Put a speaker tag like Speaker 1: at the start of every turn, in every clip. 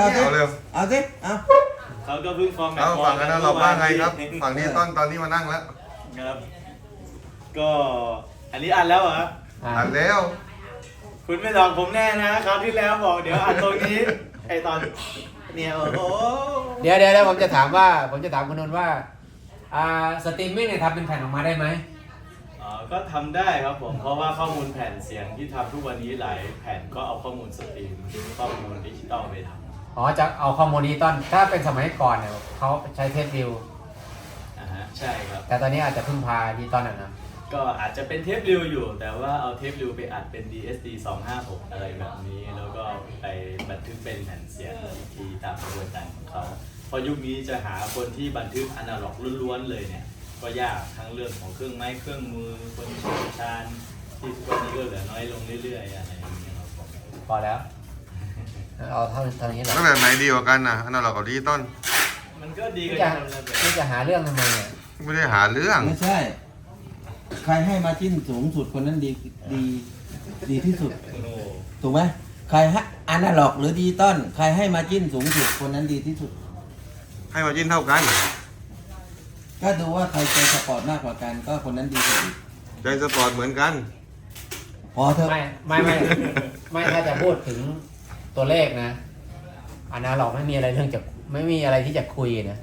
Speaker 1: เอาเร็ว
Speaker 2: เอาสิเอา
Speaker 3: เขาก็เพิ่งฟอร์มแมต
Speaker 1: เอา
Speaker 3: ช์
Speaker 1: ฝั่งกันนะเราว่าไงครับ ฝั่งนี้ตอนนี้มานั่งแล้ว
Speaker 3: ครับก็อันนี้อันแล้วเหรอ
Speaker 1: อันแล้ว
Speaker 3: คุณไม่หลอกผมแน่นะคราวที่แล้วบอกเดี๋ยวอันตรงนี้ไอตอนเนี่ยโอ้โห
Speaker 4: เดี๋ยวผมจะถามคุณนนท์ว่าสตรีมมิ่งเนี่ยทำเป็นแผ่นออกมาได้ไหม
Speaker 3: ก็ทำได้ครับผมเพราะว่าข้อมูลแผ่นเสียงที่ทำทุกวันนี้หลายแผ่นก็เอาข้อมูลสตรีมข้อมูลดิจิตอลไปทำ
Speaker 4: อ๋อจะเอาข้อมูลดิจิตอลถ้าเป็นสมัยก่อนเนี่ยเขาใช้เทปดิว
Speaker 3: ใช่ครับ
Speaker 4: แต่ตอนนี้อาจจะพึ่งพาดิจิตอลนะ
Speaker 3: ก็อาจจะเป็นเทปริวอยู่ แต่ว่าเอาเทปริวไปอัดเป็น DSD 256อะไรแบบนี้ แล้วก็ไปบันทึกเป็นแผ่นเสียงอีกทีตามกระบวนการของเขาเพราะยุคนี้จะหาคนที่บันทึกอนาล็อกล้วนๆเลยเนี่ยก็ยากทั้งเรื่องของเครื่องไม้เครื่องมือคนเชี่ยวชาญที่ทุกวันนี้ก็เหลือน้อยลงเรื่อยๆอะไรอย่างเงี้ยครับผม
Speaker 4: พอแล้วเอาเท่านี้แหละ
Speaker 1: แล้วแบบไหนดีกว่ากันนะอันนั้นเรากับดิจิตอล
Speaker 3: มันก็ดี
Speaker 4: นี่
Speaker 3: กั
Speaker 4: จะ
Speaker 3: นคนละแบบ
Speaker 4: นี่จะหาเรื่องทำไมเนี่ย
Speaker 1: ไม่ได้หาเรื่อง
Speaker 2: ไม่ใช่ ใครให้มาจิ้นสูงสุดคนนั้นดีที่สุด
Speaker 3: โอ้โห
Speaker 2: ถูกไหมใครให้อนาล็อกหรือดิจิตอลใครให้มาจิ้นสูงสุดคนนั้นดีที่สุด
Speaker 1: ให้มาจิ้นเท่ากัน
Speaker 2: ก็ดูว่าใครใจสปอร์ตมากกว่ากันก็คนนั้นดีกว่าอีก
Speaker 1: ใจสปอร์ตเหมือนกัน
Speaker 2: พอเถอะ
Speaker 4: ไม่ถ้าจะพูดถึงตัวเลขนะอนาล็อกไม่มีอะไรที่จะคุยนะ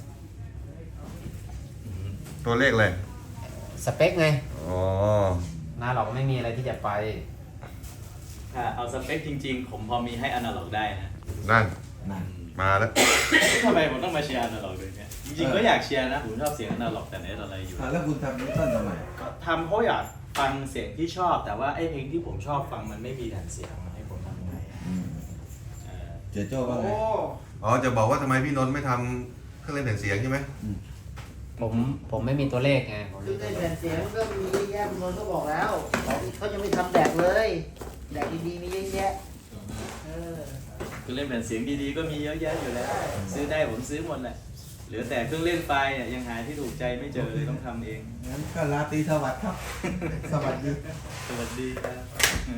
Speaker 1: ตัวเลขเลย
Speaker 4: สเปคไง
Speaker 1: อ๋อ
Speaker 4: อนาล็อกไม่มีอะไรที่จะไป
Speaker 3: ถ้าเอาสเปคจริงๆ ผมพอมีให้อนาล็อกได้นะ
Speaker 1: นั่น
Speaker 2: นั่น
Speaker 1: มาแล้ว
Speaker 3: ทำไมผมต้องมาเชียร์อนาล็อกด้วยเนี่ยจริงๆก็อยากเชียร์นะผมชอบเสียงอนาล็อกแต่ไหนแต่ไรอยู่
Speaker 2: แล้วคุณทำดิจิตอลทำไม
Speaker 3: ก็ทำเพราะอยากฟังเสียงที่ชอบแต่ว่าไอ้เพลงที่ผมชอบฟังมันไม่มีแผ่นเสียงให้ผมทำไงเออ
Speaker 2: เจ๊โจ้ว่าไง
Speaker 1: อ๋อ จะบอกว่าทำไมพี่นนท์ไม่ทำเครื่องเล่นแผ่นเสียงใช่ไหม
Speaker 4: ผมไม่มีตัวเลขไงผม
Speaker 5: คือในแผ่นเสียงก็มีเยอะแยะคุณนนท์ก็บอกแล้วเขายังไม่ทำแดกเลย แดกดีๆมีเยอะแยะเออ
Speaker 3: คือเล่นแผ่นเสียงดีๆก็มีเยอะแยะอยู่แล้ว ซื้อได้ผมซื้อหมดแหละเหลือแต่เครื่องเล่นไฟเนี่ยยังหาที่ถูกใจไม่เจอเลยต้องทำเอง
Speaker 2: งั้นก็ลาตรีสวัสดิ์ครับ สวัสดี
Speaker 3: สวัสดีครับ